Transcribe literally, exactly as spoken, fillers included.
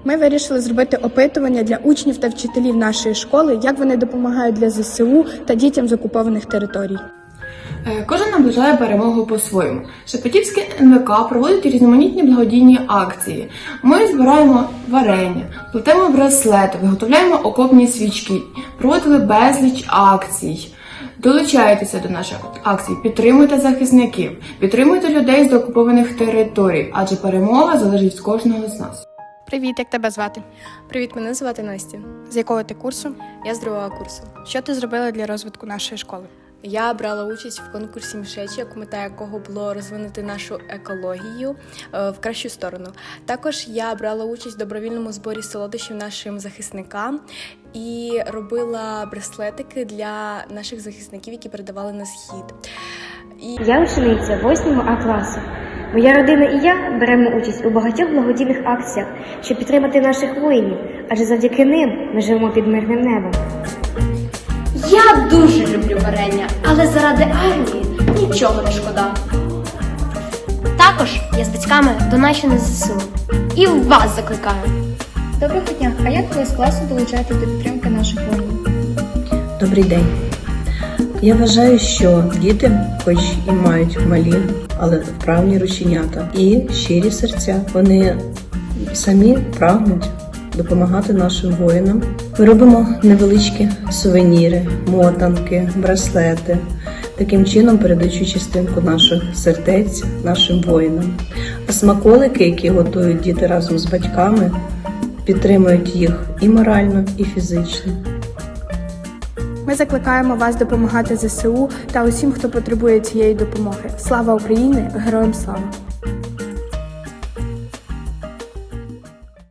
Ми вирішили зробити опитування для учнів та вчителів нашої школи, як вони допомагають для зе се у та дітям з окупованих територій. Кожен наближає перемогу по-своєму. Шепетівське ен ве ка проводить різноманітні благодійні акції. Ми збираємо варення, плетемо браслети, виготовляємо окопні свічки, проводили безліч акцій. Долучайтеся до наших акцій, підтримуйте захисників, підтримуйте людей з окупованих територій, адже перемога залежить від кожного з нас. Привіт, як тебе звати? Привіт, мене звати Настя. З якого ти курсу? Я з другого курсу. Що ти зробила для розвитку нашої школи? Я брала участь в конкурсі «Мішечок», мета якого було розвинути нашу екологію е, в кращу сторону. Також я брала участь в добровільному зборі солодощів нашим захисникам і робила браслетики для наших захисників, які передавали на схід. І... Я учениця восьмого А класу. Моя родина і я беремо участь у багатьох благодійних акціях, щоб підтримати наших воїнів, адже завдяки ним ми живемо під мирним небом. Я дуже люблю варення, але заради армії нічого не шкода. Також я з батьками доначу на зе се у. І вас закликаю. Доброго дня! А як ви з класу долучаєтесь до підтримки наших воїнів? Добрий день. Я вважаю, що діти, хоч і мають малі, але вправні рученята і щирі серця, вони самі прагнуть допомагати нашим воїнам. Ми робимо невеличкі сувеніри, мотанки, браслети, таким чином передаючи частинку наших сердець нашим воїнам. А смаколики, які готують діти разом з батьками, підтримують їх і морально, і фізично. Ми закликаємо вас допомагати зе се у та усім, хто потребує цієї допомоги. Слава Україні! Героям слава!